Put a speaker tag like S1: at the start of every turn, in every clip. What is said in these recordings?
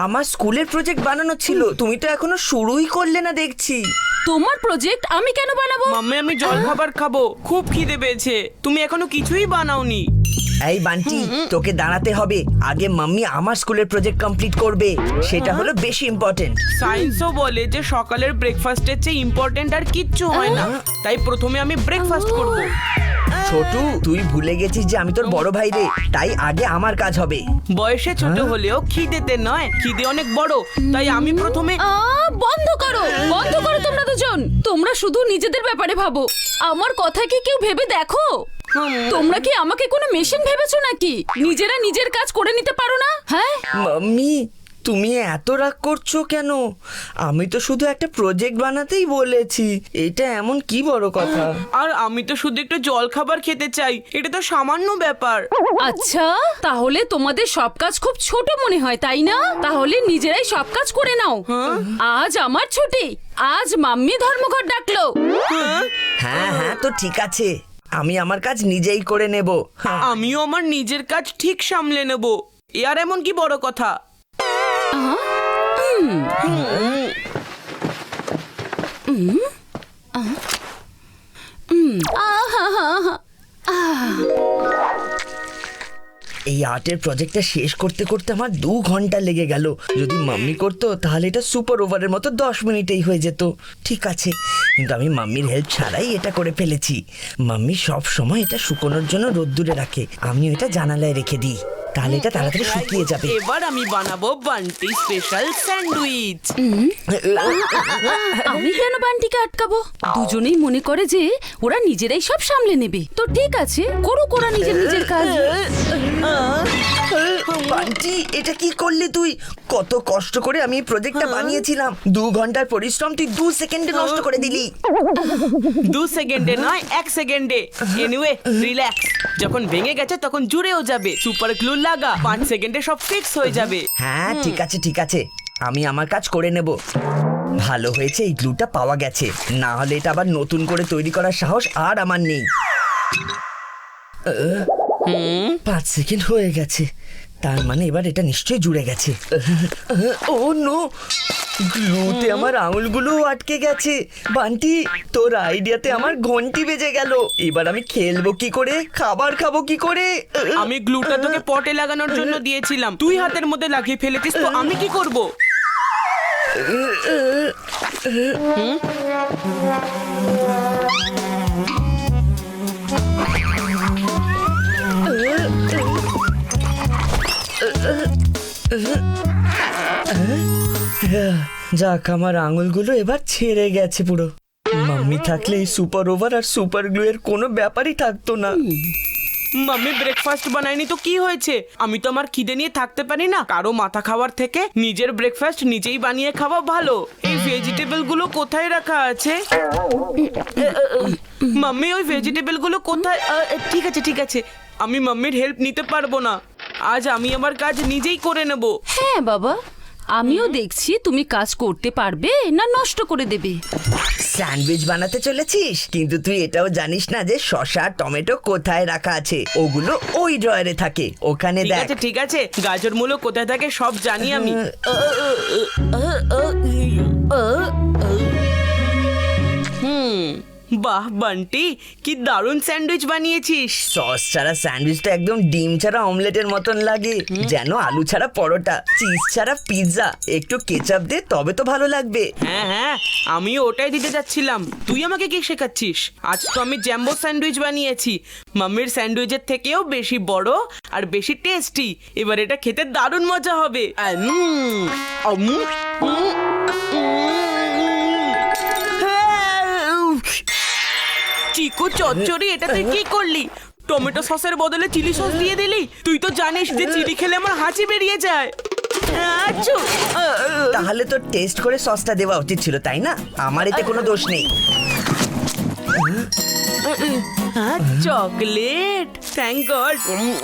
S1: আমার স্কুলের প্রজেক্ট বানানো ছিল, তুমি তো এখনো শুরুই করলে না দেখছি।
S2: তোমার প্রজেক্ট আমি কেন বানাবো?
S3: মাম্মি আমি জল খাবার খাবো, খুব খিদে পেয়েছে। তুমি এখনো কিছুই বানাওনি।
S1: এই বান্টি, তোকে দাঁড়াতে হবে। আগে মাম্মি আমার স্কুলের প্রজেক্ট কমপ্লিট করবে, সেটা হলো বেশি ইম্পর্টেন্ট।
S3: সায়েন্সও বলে যে সকালের ব্রেকফাস্টের চেয়ে ইম্পর্টেন্ট আর কিচ্ছু হয় না, তাই প্রথমে আমি ব্রেকফাস্ট করব।
S1: ছোটু, তুই ভুলে গেছিস যে আমি তোর বড় ভাই রে, তাই আগে আমার কাজ হবে।
S3: বয়সে ছোট হলেও খিদেতে নয়, খিদে অনেক বড়, তাই আমি প্রথমে।
S2: বন্ধ করো তোমরা দুজন। তোমরা শুধু নিজেদের ব্যাপারে ভাবো, আমার কথা কি কেউ ভেবে দেখো? তোমরা কি আমাকে কোনো মেশিন ভেবেছো নাকি? নিজেরা নিজের কাজ করে নিতে পারো না? হ্যাঁ
S1: মাম্মি, তুমি এত রাগ করছো কেন? আমি তো শুধু একটা প্রজেক্ট বানাতেই বলেছি, এটা এমন কি বড় কথা?
S3: আর আমি তো শুধু একটু জল খাবার খেতে চাই, এটা তো সামান্য ব্যাপার।
S2: আচ্ছা, তাহলে তোমাদের সব কাজ খুব ছোট মনে হয়, তাই না? তাহলে নিজেরাই সব কাজ করে নাও। আজ আমার ছুটি, আজ মাম্মি ধর্মঘট ডাকলো।
S1: হ্যাঁ হ্যাঁ, তো ঠিক আছে, আমি আমার কাজ নিজেই করে নেব।
S3: আমিও আমার নিজের কাজ ঠিক সামলে নেব, এ আর এমন কি বড় কথা।
S1: এই আর্টের প্রজেক্টটা শেষ করতে করতে আমার 2 ঘন্টা লেগে গেল। যদি মাম্মি করতো তাহলে এটা সুপার ওভারের মতো 10 মিনিটেই হয়ে যেত। ঠিক আছে, কিন্তু আমি মাম্মির হেল্প ছাড়াই এটা করে ফেলেছি। মাম্মি সব সময় এটা শুকোনোর জন্য রোদ্দুরে রাখে, আমি এটা জানালায় রেখে দিই, তাহলে এটা তাড়াতাড়ি শুকিয়ে যাবে।
S3: এবার আমি বানাবো বান্টি স্পেশাল স্যান্ডউইচ।
S2: আমি কেন বান্টিকে আটকাবো? দুজনেই মনে করে যে ওরা নিজেরাই সব সামলে নেবে। তো ঠিক আছে, করুক ওরা নিজের কাজ।
S1: বান্টি, এটা কি করলি তুই? কত কষ্ট করে আমি এই প্রজেক্টটা বানিয়েছিলাম, 2 ঘন্টার পরিশ্রম তুই 2 সেকেন্ডে নষ্ট করে দিলি।
S3: 2 সেকেন্ডে নয়, 1 সেকেন্ডে। Anyway, relax. যখন ভেঙে গেছে তখন জুড়েও যাবে। সুপার গ্লু লাগা, 5 সেকেন্ডে সব ফিক্স হয়ে যাবে।
S1: হ্যাঁ ঠিক আছে ঠিক আছে, আমি আমার কাজ করে নেব। ভালো হয়েছে এই গ্লুটা পাওয়া গেছে, না হলে এটা আবার নতুন করে তৈরি করার সাহস আর আমার নেই। 5 সেকেন্ড হয়ে গেছে, তার মানে এবার এটা নিশ্চয়ই জুড়ে গেছে। ও নো, গ্লুতে আমার আঙুলগুলো আটকে গেছে। বান্টি, তোর আইডিয়াতে আমার ঘন্টি বেজে গেল। এবার আমি খেলবো কি করে, খাবার খাবো কি করে?
S3: আমি গ্লুটা তোকে পটে লাগানোর জন্য দিয়েছিলাম, তুই হাতের মধ্যে লাগিয়ে ফেলেছিস, তো আমি কি করব?
S1: যাক, আমার আঙুলগুলো এবার ছেড়ে গেছে পুরো। মাম্মি থাকলে এই সুপার ওভার আর সুপার গ্লু এর কোনো ব্যাপারই থাকতো না।
S3: মাম্মি ব্রেকফাস্ট বানায়নি তো কি হয়েছে? আমি তো আমার খিদে নিয়ে থাকতে পারি না। কারো মাথা খাওয়ার থেকে নিজের ব্রেকফাস্ট নিজেই বানিয়ে খাওয়া ভালো। এই ভেজিটেবল গুলো কোথায় রাখা আছে? মাম্মি, ওই ভেজিটেবল গুলো কোথায়? ঠিক আছে ঠিক আছে, আমি মাম্মির হেল্প নিতে পারবো না। আজ আমি আমার কাজ নিজেই করে নেব।
S2: হ্যাঁ বাবা, আমিও দেখছি তুমি কাজ করতে পারবে না নষ্ট করে দেবে।
S1: স্যান্ডউইচ বানাতে চলেছিস, কিন্তু তুই এটাও জানিস না যে শসা টমেটো কোথায় রাখা আছে। ওগুলো ওই ড্রয়ারে থাকে, ওখানে
S3: ঠিক
S1: দেখ।
S3: আছে ঠিক আছে, গাজর মূলো কোথায় থাকে সব জানি আমি। বাহ বান্টি, কি দারুণ স্যান্ডউইচ বানিয়েছিস।
S1: সস ছাড়া স্যান্ডউইচটা একদম ডিম ছাড়া অমলেটের মতন লাগে, যেন আলু ছাড়া পরোটা, চিজ ছাড়া পিৎজা। একটু কেচাপ দে, তবে তো ভালো লাগবে।
S3: হ্যাঁ হ্যাঁ, আমিও ওটাই দিতে যাচ্ছিলাম। তুই আমাকে কি শেখাচ্ছিস? আজ তো আমি জ্যাম্বো স্যান্ডউইচ বানিয়েছি, মাম্মির স্যান্ডউইচের থেকেও বেশি বড় আর বেশি টেস্টি। এবার এটা খেতে দারুণ মজা হবে। চিকু চচ্চড়ি, এটা তুই কি করলি? টমেটো সসের বদলে চিলি সস দিয়ে দিলি। তুই তো জানিস যে চিলি খেলে আমার হাঁচি বেরিয়ে যায়।
S1: তাহলে তো টেস্ট করে সসটা দেওয়া উচিত ছিল, তাই না? আমার এতে কোনো দোষ নেই।
S3: Chocolate, thank God.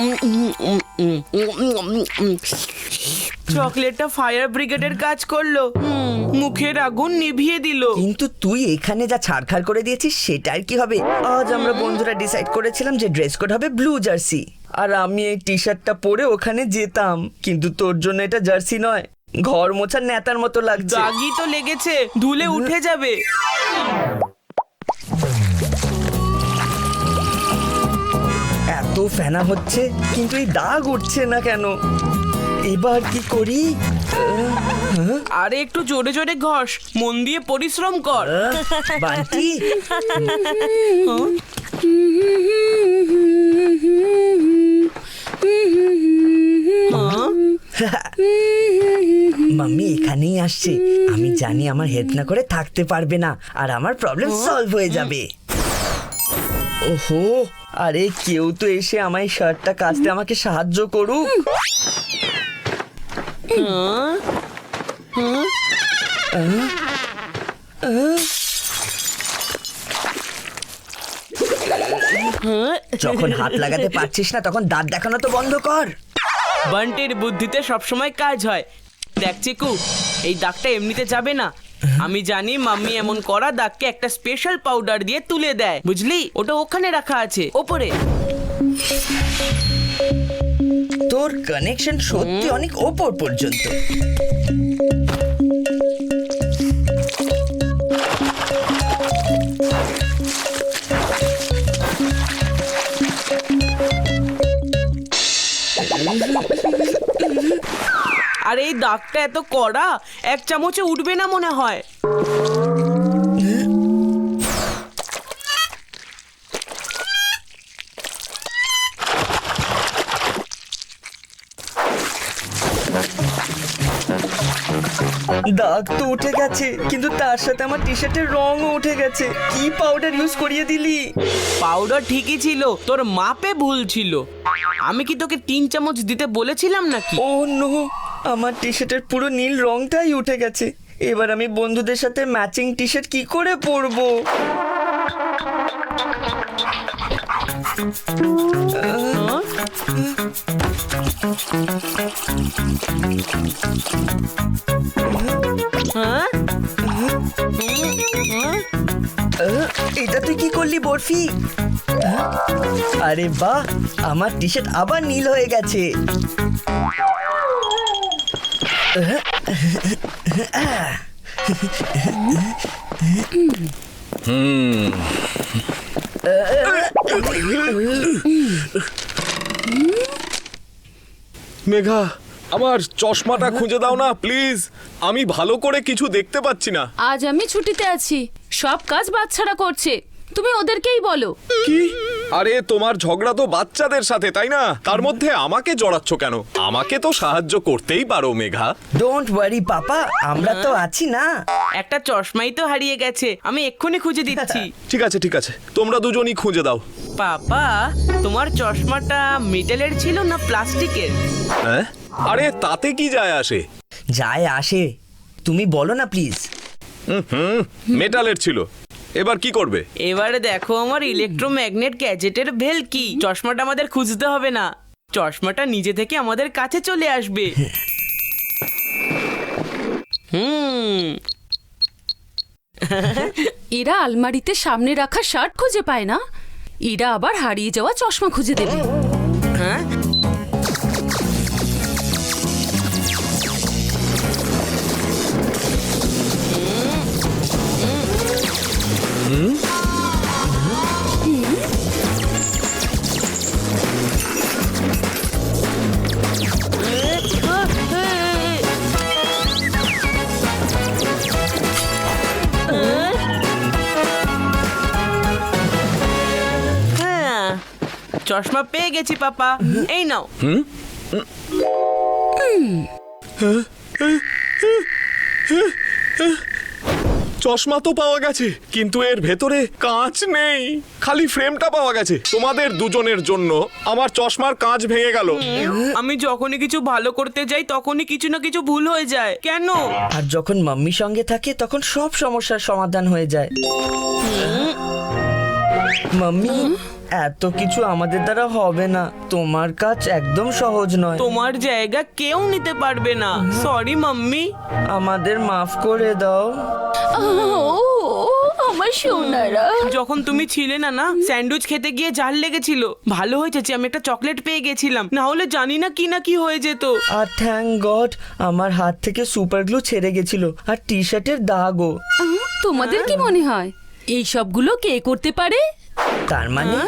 S3: চকলেটটা ফায়ার ব্রিগেডের কাজ করলো, মুখের আগুন নিভিয়ে দিল।
S1: কিন্তু তুই এখানে যা ছাড়খাড় করে দিয়েছিস সেটার কি হবে? আজ আমরা বন্ধুরা ডিসাইড করেছিলাম যে ড্রেস কোড হবে ব্লু জার্সি, আর আমি এই টি শার্টটা পরে ওখানে যেতাম। কিন্তু তোর জন্য এটা জার্সি নয়, ঘর মোছার নেতার মতো লাগছে।
S3: দাগই তো লেগেছে, ধুলে উঠে যাবে।
S1: এত ফেনা হচ্ছে কিন্তু এই দাগ উঠছে না কেন? এবার কি করি?
S3: আরে একটু জোরে জোরে ঘষ, মন দিয়ে পরিশ্রম কর।
S1: বান্টি, মাম্মি এখানেই আসছে। আমি জানি আমার হেল্প না করে থাকতে পারবে না, আর আমার প্রবলেম সলভ হয়ে যাবে। ওহো, আরে কেউ তো এসে আমার এই শার্টটা কাচতে আমাকে সাহায্য করুক। যখন হাত লাগাতে পারছিস না তখন দাঁত দেখানো তো বন্ধ কর।
S3: বান্টির বুদ্ধিতে সবসময় কাজ হয়। দেখ চিকু, এই দাগটা এমনিতে যাবে না। আমি জানি মাম্মি এমন করা দাগকে একটা স্পেশাল পাউডার দিয়ে তুলে দেয়, বুঝলি? ওটা ওখানে রাখা আছে ওপরে।
S1: তোর কানেকশন সত্যি অনেক ওপর পর্যন্ত।
S3: আর এই দাগটা এত কড়া, এক চামচে উঠবে না মনে হয়।
S1: দাগ তো উঠে গেছে, কিন্তু তার সাথে আমার টি শার্টের রঙও উঠে গেছে। কি পাউডার ইউজ করিয়ে দিলি?
S3: পাউডার ঠিকই ছিল, তোর মাপে ভুল ছিল। আমি কি তোকে 3 চামচ দিতে বলেছিলাম নাকি?
S1: ও নো, আমার টি শার্টের পুরো নীল রংটাই উঠে গেছে। এবার আমি বন্ধুদের সাথে ম্যাচিং টি শার্ট কি করে পরবো?
S3: হ্যাঁ?
S1: এটা তুই কি করলি বরফি? আরে বাহ, আমার টি শার্ট আবার নীল হয়ে গেছে।
S4: মেঘা, আমার চশমাটা খুঁজে দাও না প্লিজ। আমি ভালো করে কিছু দেখতে পাচ্ছি না।
S2: আজ আমি ছুটিতে আছি, সব কাজ বাচ্চারা করছে, তুমি ওদেরকেই বলো।
S4: কি? আরে তোমার ঝগড়া তো বাচ্চাদের সাথে, তাই না? তার মধ্যে আমাকে জড়াচ্ছ কেন? আমাকে তো সাহায্য করতেই পারো মেঘা।
S1: ডোন্ট ওয়ারি পাপা, আমরা তো আছি না।
S3: একটা চশমাই তো হারিয়ে গেছে, আমি এক্ষুনি খুঁজে দিচ্ছি।
S4: ঠিক আছে ঠিক আছে, তোমরা দুজনই খুঁজে দাও।
S3: পাপা, তোমার চশমাটা মেটালের ছিল না প্লাস্টিকের?
S4: হ্যাঁ? আরে তাতে কি যায় আসে?
S1: যায় আসে, তুমি বলো না প্লিজ।
S4: মেটালের ছিল। এবার কি করবে?
S3: এবারে দেখো আমার ইলেকট্রোম্যাগনেট গ্যাজেটের ভেল কি। চশমাটা আমাদের খুঁজতে হবে না, চশমাটা নিজে থেকে আমাদের কাছে চলে আসবে।
S2: এরা আলমারিতে সামনে রাখা শার্ট খুঁজে পায় না, এরা আবার হারিয়ে যাওয়া চশমা খুঁজে দেবে।
S3: হ্যাঁ, চশমা পেয়ে গেছি পাপা, এই নাও।
S4: চশমা তো পাওয়া গেছে, কিন্তু এর ভেতরে কাঁচ নেই, খালি ফ্রেমটা পাওয়া গেছে। তোমাদের দুজনের জন্য আমার চশমার কাঁচ ভেঙে গেল।
S3: আমি যখনই কিছু ভালো করতে যাই তখনই কিছু না কিছু ভুল হয়ে যায়, কেন?
S1: আর যখন মাম্মি সঙ্গে থাকে তখন সব সমস্যার সমাধান হয়ে যায়। মাম্মি, এত কিছু আমাদের দ্বারা হবে না, তোমার কাজ একদম সহজ নয়।
S3: তোমার জায়গা কেউ নিতে পারবে না। Sorry mummy.
S1: আমাদের মাফ করে দাও।
S2: ও আমার সোনারা।
S3: যখন তুমি ছিলে না না স্যান্ডউইচ খেতে গিয়ে জাল লেগেছিল। ভালো হয়েছে যে আমি একটা চকলেট পেয়ে গেছিলাম, না হলে জানি না কি হয়ে যেত।
S1: আর থ্যাংক গড আমার হাত থেকে সুপার গ্লু ছেড়ে গেছিল আর টি শার্টের দাগও।
S2: তোমাদের কি মনে হয় এই সবগুলো কে করতে পারে?
S1: তার মানে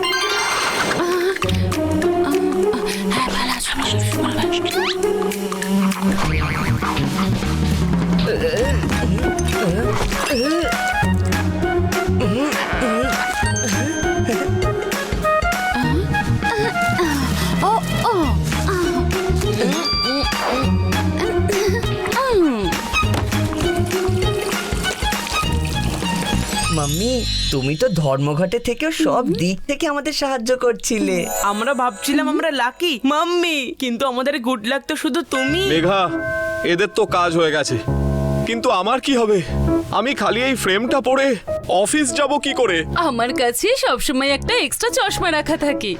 S1: মাম্মি তুমি তো ধর্মঘটে থেকেও সব দিক থেকে আমাদের সাহায্য করছিলে।
S3: আমরা ভাবছিলাম আমরা লাকি মাম্মি, কিন্তু আমাদের গুড লাক তো শুধু তুমি।
S4: মেঘা, এদের তো কাজ হয়ে গেছে, কিন্তু আমার কি হবে? আমি খালি এই ফ্রেমটা পরে অফিস যাব কি করে?
S2: আমার কাছে সবসময় একটা এক্সট্রা চশমা রাখা থাকে।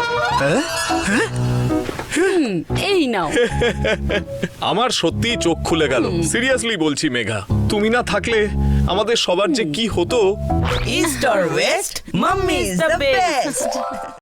S2: এই নাও।
S4: আমার সত্যি চোখ খুলে গেল, সিরিয়াসলি বলছি মেঘা। তুমি না থাকলে আমাদের সবার যে কি হতো।
S1: East or west, mummy is the best.